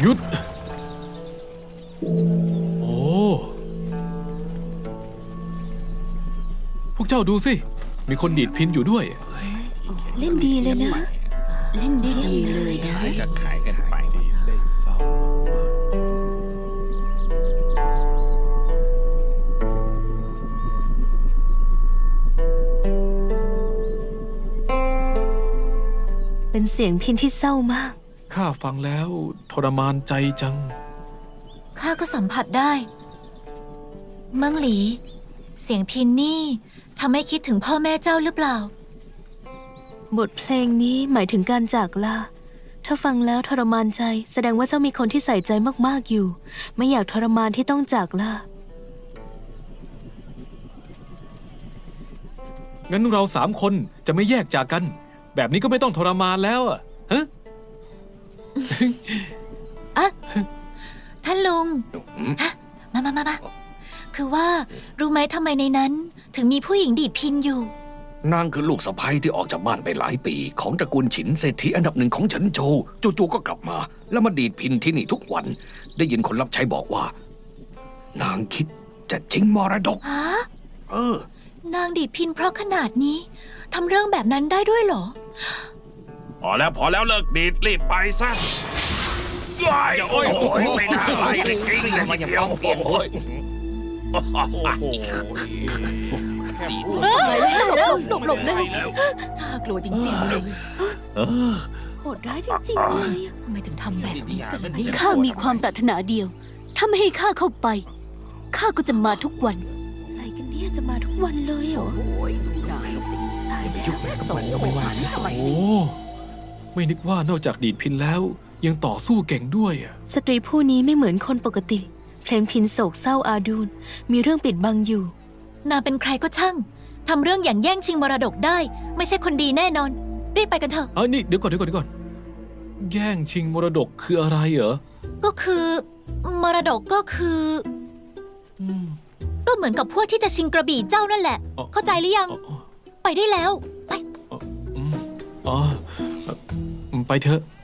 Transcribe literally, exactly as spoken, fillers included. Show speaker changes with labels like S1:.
S1: หยุดโอ้พวกเจ้าดูสิมีคนดีดพินอยู่ด้วย
S2: เล่นดีเลยนะ เล่นดีเลยนะ
S3: ขายกันขายกันไป
S1: ได้เศร้า
S2: เป็นเสียงพินที่เศร้ามาก
S1: ข้าฟังแล้วทรมานใจจัง
S4: ข้าก็สัมผัสได้เมืองหลี เสียงพินนี่ทำให้คิดถึงพ่อแม่เจ้าหรือเปล่า
S2: บทเพลงนี้หมายถึงการจากลาถ้าฟังแล้วทรมานใจแสดงว่าเจ้ามีคนที่ใส่ใจมากๆอยู่ไม่อยากทรมานที่ต้องจากลา
S1: งั้นเราสามคนจะไม่แยกจากกันแบบนี้ก็ไม่ต้องทรมานแล้วอะฮะ
S4: อะท่านลุงฮะมามามามาคือว่ารู้ไหมทำไมในนั้นถึงมีผู้หญิงดีดพินอยู่
S3: นางคือลูกสะใภ้ที่ออกจากบ้านไปหลายปีของตระกูลฉินเศรษฐีอันดับหนึ่งของเฉินโจวจู่ๆก็กลับมาแล้วมาดีดพินที่นี่ทุกวันได้ยินคนรับใช้บอกว่า นางคิดจะชิงมรดก
S4: ฮะ
S3: เอ
S4: อนางดีดพินเพราะขนาดนี้ทำเรื่องแบบนั้นได้ด้วยเหรอ
S5: พอแล้วพอแล้วเลิกดีดรีบไปซะว้ายโอ้ยโอ้ยไม่น่าไหลเลยจริงเลยทีเดียวโอ้ย
S2: โอ้โหหลบหลบเลยน่ากลัวจริงๆเลยโหดร้ายจริงๆเลย
S4: ทำไมถึงทำแบบนี้กันล่ะ
S6: ข้ามีความปรารถนาเดียวถ้าไม่ให้ข้าเข้าไปข้าก็จะมาทุกวัน
S2: อะไรกันเนี่ยจะมาทุกวันเลยเหรอโอ้ยดูนายสิตายแล้วส่งไปว่านี่สมัย
S1: โอ้ไม่นึกว่านอกจากดีดพินแล้วยังต่อสู้เก่งด้วย
S2: สตรีผู้นี้ไม่เหมือนคนปกติเพลงพินโศกเศร้าอาดูลมีเรื่องปิดบังอยู่
S4: นางเป็นใครก็ช่างทำเรื่องอย่างแย่งชิงมรดกได้ไม่ใช่คนดีแน่นอนรีบไปกันเถอะ
S1: เอ้ยนี่เดี๋ยวก่อนเดี๋ยวก่อนเดี๋ยวก่อนแย่งชิงมรดกคืออะไรเหรอ
S4: ก็คือมรดกก็คือก็เหมือนกับพวกที่จะชิงกระบี่เจ้านั่นแหละเข้าใจหรือยังไปได้แล้วไป
S1: อ๋อไปเถอะ